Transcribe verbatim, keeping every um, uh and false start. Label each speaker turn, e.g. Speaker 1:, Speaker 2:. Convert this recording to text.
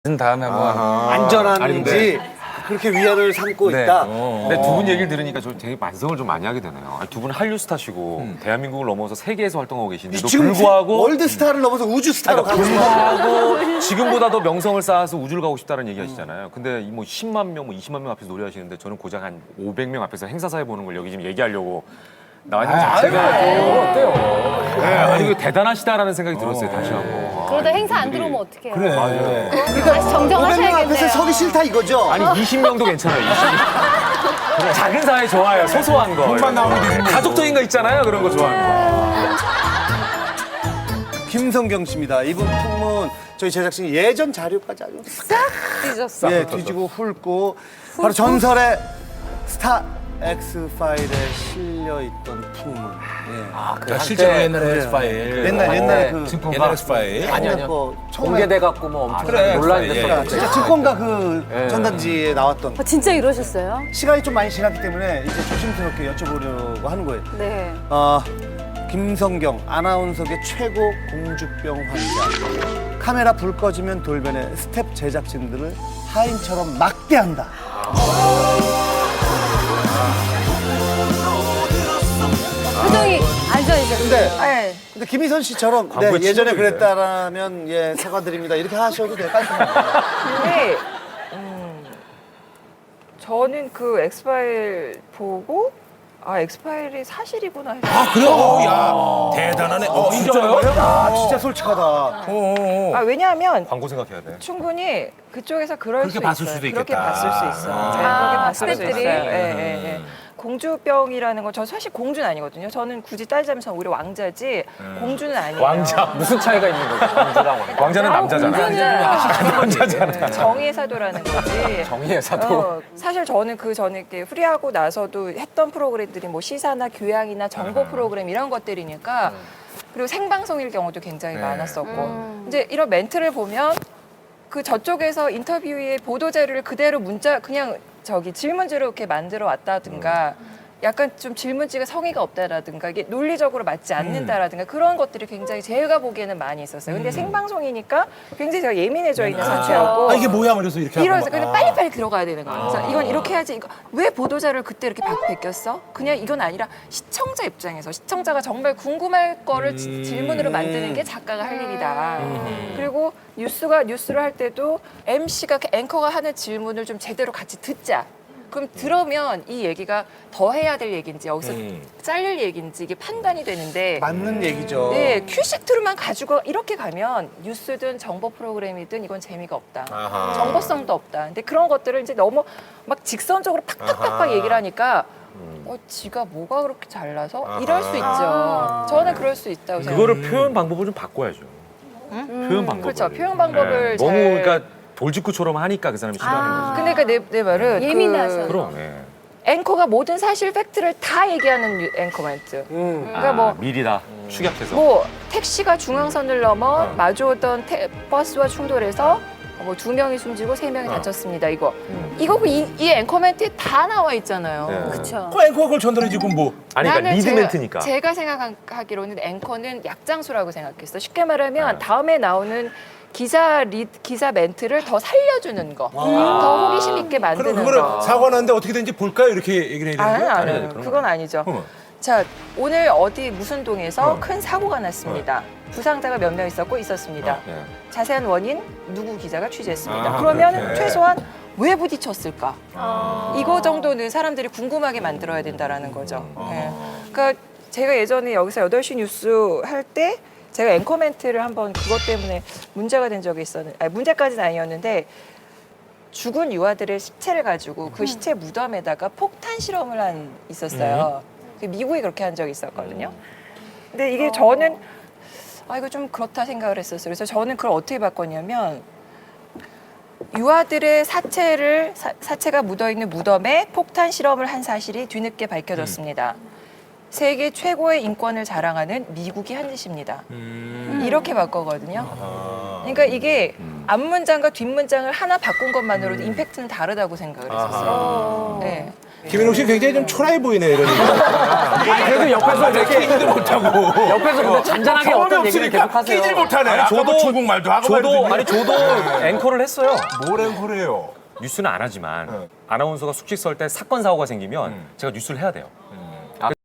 Speaker 1: 다음에 한번
Speaker 2: 안전한지 그렇게 위안을 삼고
Speaker 1: 네.
Speaker 2: 있다.
Speaker 3: 근데 두 분 얘기를 들으니까 저 되게 반성을 좀 많이 하게 되네요. 두 분은 한류 스타시고
Speaker 1: 음.
Speaker 3: 대한민국을 넘어서 세계에서 활동하고 계신데도
Speaker 2: 지금
Speaker 3: 불구하고
Speaker 2: 월드 스타를 넘어서 우주 스타로 가고 있어.
Speaker 3: 불구하고 지금보다 더 명성을 쌓아서 우주를 가고 싶다는 얘기 하시잖아요. 근데 이 뭐 십만 명, 뭐 이십만 명 앞에서 노래하시는데 저는 고작 한 오백 명 앞에서 행사사에 보는 걸 여기 지금 얘기하려고 나와 있는 자체가 어때요? 네, 아니 이거 대단하시다라는 생각이 들었어요. 다시 한번.
Speaker 4: 그러다 행사 안 들어오면 어떡해요?
Speaker 1: 그래.
Speaker 3: 맞아요.
Speaker 4: 다시
Speaker 2: 오백 명 앞에서
Speaker 4: 정정하셔야겠네요.
Speaker 2: 서기 싫다 이거죠?
Speaker 3: 아니 이십 명도 괜찮아요. 이십 명. 작은 사회 좋아요. 소소한 거.
Speaker 1: 돈만 나오면 되지.
Speaker 3: 가족적인 거 있잖아요. 그런 거 좋아하는 거.
Speaker 2: 김성경 씨입니다. 이분 풍문 저희 제작진이 예전 자료까지 아주 싹
Speaker 4: 찢었어.
Speaker 2: 예, 뒤지고 훑고 바로 전설의 스타 엑스파일에 실려있던 풍문. 예.
Speaker 1: 야, 실제로 옛날에 엑스파일.
Speaker 2: 옛날 옛날에 그
Speaker 1: 증권가. 옛날 엑스파일.
Speaker 2: 아니 아니요. 뭐 처음에
Speaker 5: 공개돼갖고 뭐 엄청
Speaker 1: 그래.
Speaker 5: 논란이
Speaker 1: 예,
Speaker 5: 됐었죠.
Speaker 1: 예.
Speaker 2: 진짜 증권가 그 전단지에 나왔던
Speaker 4: 아, 진짜 이러셨어요?
Speaker 2: 시간이 좀 많이 지났기 때문에 이제 조심스럽게 여쭤보려고 하는 거예요.
Speaker 4: 네.
Speaker 2: 어, 김성경 아나운서계 최고 공주병 환자. 카메라 불 꺼지면 돌변해 스텝 제작진들을 하인처럼 막대한다.
Speaker 4: 표정이 앉아있어요.
Speaker 2: 근데
Speaker 4: 네.
Speaker 2: 근데 김희선 씨처럼 네,
Speaker 3: 광고에
Speaker 2: 예전에
Speaker 3: 치고
Speaker 2: 그랬다라면 예 사과드립니다 이렇게 하셔도 돼요. 깔끔하게.
Speaker 6: 근데 음, 저는 그 엑스파일 보고 아 엑스파일이 사실이구나 해서
Speaker 1: 아, 그래요? 야, 대단하네. 어, 인정해요?
Speaker 2: 아 진짜 솔직하다.
Speaker 1: 어, 어.
Speaker 6: 아 왜냐하면
Speaker 3: 광고 생각해야 돼.
Speaker 6: 충분히 그쪽에서 그럴
Speaker 1: 그렇게
Speaker 6: 수
Speaker 1: 봤을
Speaker 6: 있어요.
Speaker 1: 수도
Speaker 6: 그렇게
Speaker 1: 있겠다.
Speaker 6: 봤을 수 있어요.
Speaker 1: 아.
Speaker 6: 네,
Speaker 4: 아,
Speaker 6: 그렇게 봤을 수
Speaker 4: 스태프들이?
Speaker 6: 있어요. 예, 예, 예. 공주병이라는 건 저 사실 공주는 아니거든요. 저는 굳이 따지자면 저는 오히려 왕자지 공주는 아니에요.
Speaker 3: 왕자.
Speaker 5: 무슨 차이가 있는 거죠? 왕자랑 왕자.
Speaker 3: 왕자는 남자잖아.
Speaker 6: 남자잖아. 정의의 사도라는 거지.
Speaker 5: 정의의 사도.
Speaker 6: 어, 사실 저는 그 전에 이렇게 후리하고 나서도 했던 프로그램들이 뭐 시사나 교양이나 정보 프로그램 이런 것들이니까 그리고 생방송일 경우도 굉장히 많았었고
Speaker 4: 음.
Speaker 6: 이제 이런 멘트를 보면 그 저쪽에서 인터뷰의 보도 자료를 그대로 문자 그냥 저기 질문지로 이렇게 만들어 왔다든가 약간 좀 질문지가 성의가 없다라든가 이게 논리적으로 맞지 않는다라든가 그런 것들이 굉장히 제가 보기에는 많이 있었어요. 근데 생방송이니까 굉장히 제가 예민해져 있는 상태였고
Speaker 1: 아, 이게 뭐야? 그래서 이렇게
Speaker 6: 이러면서
Speaker 1: 하고
Speaker 6: 근데
Speaker 1: 막.
Speaker 6: 빨리빨리 들어가야 되는 거예요. 그래서 이건 이렇게 해야지. 이거 왜 보도자를 그때 이렇게 바, 베꼈어? 그냥 이건 아니라 시청자 입장에서 시청자가 정말 궁금할 거를 지- 질문으로 만드는 게 작가가 할 일이다. 그리고 뉴스가 뉴스를 할 때도 엠씨가 앵커가 하는 질문을 좀 제대로 같이 듣자. 그럼 들으면 이 얘기가 더 해야 될 얘기인지 여기서
Speaker 1: 음.
Speaker 6: 잘릴 얘기인지 이게 판단이 되는데
Speaker 2: 맞는 얘기죠.
Speaker 6: 네, 큐시트로만 가지고 이렇게 가면 뉴스든 정보 프로그램이든 이건 재미가 없다.
Speaker 1: 아하.
Speaker 6: 정보성도 없다. 근데 그런 것들을 이제 너무 막 직선적으로 팍팍팍팍
Speaker 1: 아하.
Speaker 6: 얘기를 하니까 어, 지가 뭐가 그렇게 잘나서? 이럴 수 있죠. 저는 그럴 수 있다고 생각해요.
Speaker 3: 그거를 표현 방법을 좀 바꿔야죠. 표현 방법.
Speaker 6: 그렇죠. 표현 방법을
Speaker 3: 너무
Speaker 6: 잘-
Speaker 3: 그러니까 돌직구처럼 하니까 그 사람이 싫어하는 거지.
Speaker 6: 근데 그내 내 말은
Speaker 4: 예민하셔.
Speaker 6: 그
Speaker 3: 그럼. 예.
Speaker 6: 앵커가 모든 사실 팩트를 다 얘기하는 뉴- 앵커 멘트. 그러니까
Speaker 3: 아,
Speaker 6: 뭐
Speaker 3: 미리 다 축약해서.
Speaker 6: 뭐 택시가 중앙선을 넘어 마주오던 태- 버스와 충돌해서 뭐 두 명이 숨지고 세 명이 다쳤습니다. 이거 이거 그 이, 이 앵커멘트에 다 나와 있잖아요.
Speaker 3: 네.
Speaker 4: 그쵸.
Speaker 1: 그 앵커가 그걸 전달해주고 뭐.
Speaker 3: 아니 그러니까 리드
Speaker 6: 제가,
Speaker 3: 멘트니까.
Speaker 6: 제가 생각하기로는 앵커는 약장수라고 생각했어. 쉽게 말하면
Speaker 3: 네.
Speaker 6: 다음에 나오는 기사 리 기사 멘트를 더 살려주는 거, 더 호기심 있게
Speaker 1: 그럼
Speaker 6: 만드는
Speaker 1: 그거를
Speaker 6: 거.
Speaker 1: 사고 났는데 어떻게 된지 볼까요? 이렇게 얘기를 해야 되는
Speaker 6: 아니,
Speaker 1: 거예요?
Speaker 6: 아니,
Speaker 3: 아니,
Speaker 6: 아니,
Speaker 3: 그런
Speaker 6: 그건 아니죠.
Speaker 1: 어.
Speaker 6: 자, 오늘 어디 무슨 동에서
Speaker 1: 어.
Speaker 6: 큰 사고가 났습니다. 부상자가 몇 명 있었고 있었습니다.
Speaker 3: 예.
Speaker 6: 자세한 원인 누구 기자가 취재했습니다.
Speaker 1: 아,
Speaker 6: 그러면
Speaker 1: 그렇게.
Speaker 6: 최소한 왜 부딪혔을까? 이거 정도는 사람들이 궁금하게 만들어야 된다라는 거죠. 예. 그러니까 제가 예전에 여기서 여덟 시 뉴스 할 때 제가 앵커 멘트를 한번 그것 때문에 문제가 된 적이 있었는데, 아니, 문제까지는 아니었는데 죽은 유아들의 시체를 가지고 그 시체 무덤에다가 폭탄 실험을 한 있었어요. 그 미국이 그렇게 한 적이 있었거든요. 근데 이게 저는 아 이거 좀 그렇다 생각을 했었어요. 그래서 저는 그걸 어떻게 바꿨냐면 유아들의 사체를 사, 사체가 묻어 있는 무덤에 폭탄 실험을 한 사실이 뒤늦게 밝혀졌습니다. 세계 최고의 인권을 자랑하는 미국이 한 짓입니다. 이렇게 바꿔거든요. 그러니까 이게 앞문장과 뒷문장을 하나 바꾼 것만으로도 임팩트는 다르다고 생각을 했었어요. 네.
Speaker 1: 김현욱 씨 굉장히 좀 초라해 보이네 이런 얘기.
Speaker 5: 그래도 옆에서 이렇게
Speaker 1: 끼지도 못하고.
Speaker 5: 옆에서 근데 잔잔하게 어떤 얘기를 계속 하세요.
Speaker 1: 끼질 못하네.
Speaker 3: 아니, 저도-
Speaker 1: 저도 중국말도 하고
Speaker 3: 저도
Speaker 1: 말이거든요.
Speaker 3: 아니 저도 앵커를 했어요.
Speaker 1: 뭘 앵커래요?
Speaker 3: 뉴스는 안 하지만 아나운서가 숙식 설 때 사건 사고가 생기면 제가 뉴스를 해야 돼요.